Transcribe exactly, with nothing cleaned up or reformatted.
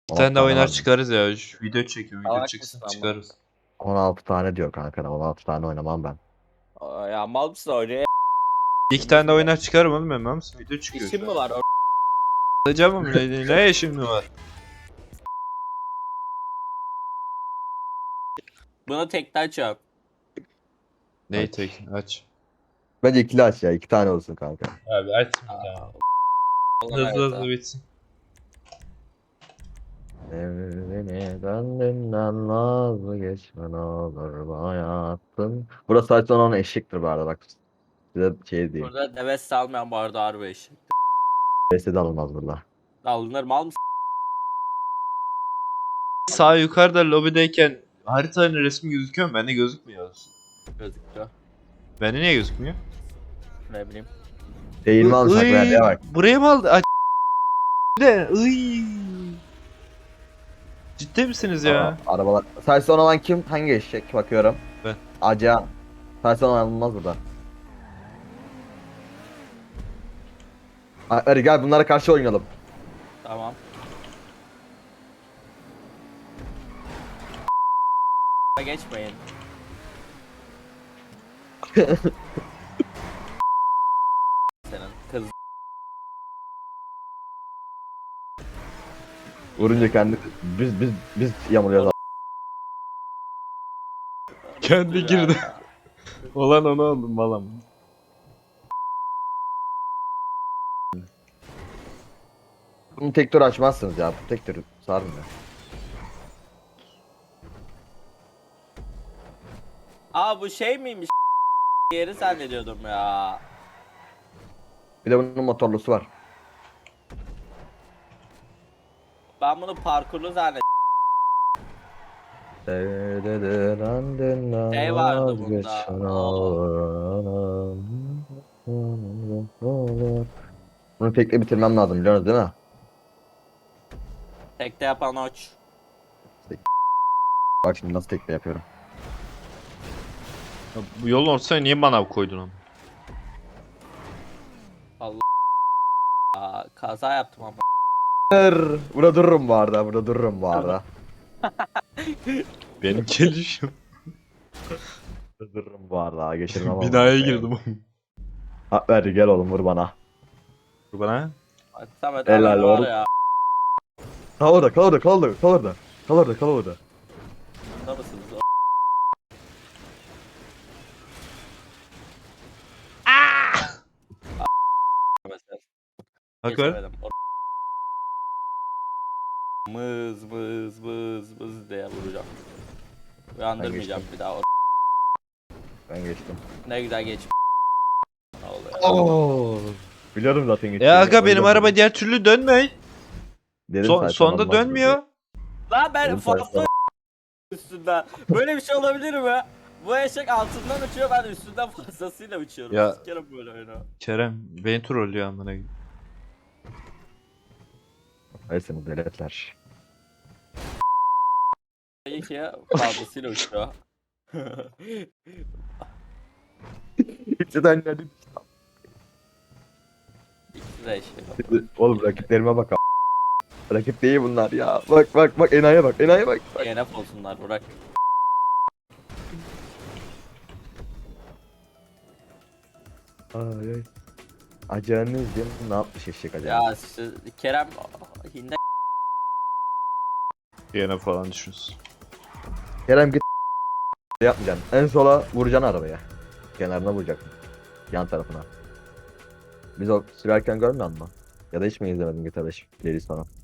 Bir on altı tane daha tane oynar var mı? çıkarız ya. Şu video çekiyorum. Video Salak çıksın mısın ama? çıkarız. on altı tane diyor kanka. on altı tane oynamam ben. Aa, ya mal mısın oraya? İki tane daha oynar çıkarım oğlum ben misin? Video çıkıyor İşin şu mi an. var? O- Alacağım mı? Ne, ne işim var? Buna tekten çarp. Neyi Aç. tek? Aç. Bence ikili aç ya. iki tane olsun kanka. Abi aç bir Aa, daha. Olan Hızlı hızlı hayata. bitsin. Evini kendinden vazgeçme ne olur bu hayatın. Burası sadece onun eşektir bu arada bak. Size şey diyeyim. Burada nefes salmayan bu arada harbi eşek. Beste de alınmaz burada. Alınır mal mısın? Sağ yukarıda lobideyken haritanın resmi gözüküyor mu? Bende gözükmüyor. Gözüküyor. Bende niye gözükmüyor? Ne bileyim. Eğilme almış bak Iy, verdiğe bak. Buraya mı aldı? Aç. Ne? Iy. Ciddi misiniz ya? Aa, arabalar. Sadece son olan kim? Hangi eşek bakıyorum. Ben. Aca. Sadece son olan alınmaz burada. Hadi gel bunlara karşı oynayalım. Tamam. Geçmeyin. Senin kız Vurunca kendi biz biz biz yamuluyoruz. Kendi girdi. Olan onu aldım balam. Bunu tek tur açmazsınız ya. Bu tek tur sarmıyor. Aa bu şey miymiş? Yeri zannediyordum ya. Bir de bunun motorlusu var. Ben bunu parkurlu zannediyordum. Şey vardı bunda. Bunu tekle bitirmem lazım biliyorsunuz değil mi? Tekte yapan oç. Bak şimdi nasıl tekle yapıyorum. Ya bu yolun ortasına niye bana koydun onu? Aa, kaza yaptım ama. Burada dururum bu arada, burada dururum bu arada. Benim gelişim. Burada dururum bu arada, geçirmem ama. Binaya girdim. Ha, ver gel oğlum vur bana. Bu bana. Bak Samet Helal adam var oğlum. ya. Kal orada, kal orada, kal orada, kal orada. Kal orada, kal orada. Burada mısınız? Mesela. Hak ver. Geçemedim. O- Mız mız mız mız diye vuracağım. Uyandırmayacağım bir daha. O- Ben geçtim. Ne güzel geç. Ne oluyor? Oo. Biliyorum zaten geçtim. Ya aga benim araba diğer türlü dönmüyor. Son, sonda dönmüyor. Lan ben Benim fazla sayfam- üstünden. Böyle bir şey olabilir mi? Bu eşek altından uçuyor, ben üstünden fazlasıyla uçuyorum. Ya- Sikerim böyle oyunu. Kerem beni trollüyor amına koyayım. Hayır seni deletler. İyi ki fazlasıyla uçuyor. İkisi de aynı İkisi de eşek. Oğlum rakiplerime bak a**. Rakip değil bunlar ya. Bak bak bak enayiye bak enayiye bak. bak. D N F olsunlar Burak. Ay ay. Acanız değil mi? Ne yapmış eşek acaba? Ya siz, Kerem Hinde Yine falan düşünsün. Kerem git yapmayacaksın. En sola vuracaksın arabaya. Kenarına vuracaksın. Yan tarafına. Biz o sürerken görmüyor musun? Ya da hiç mi izlemedin G T A beş playlist falan?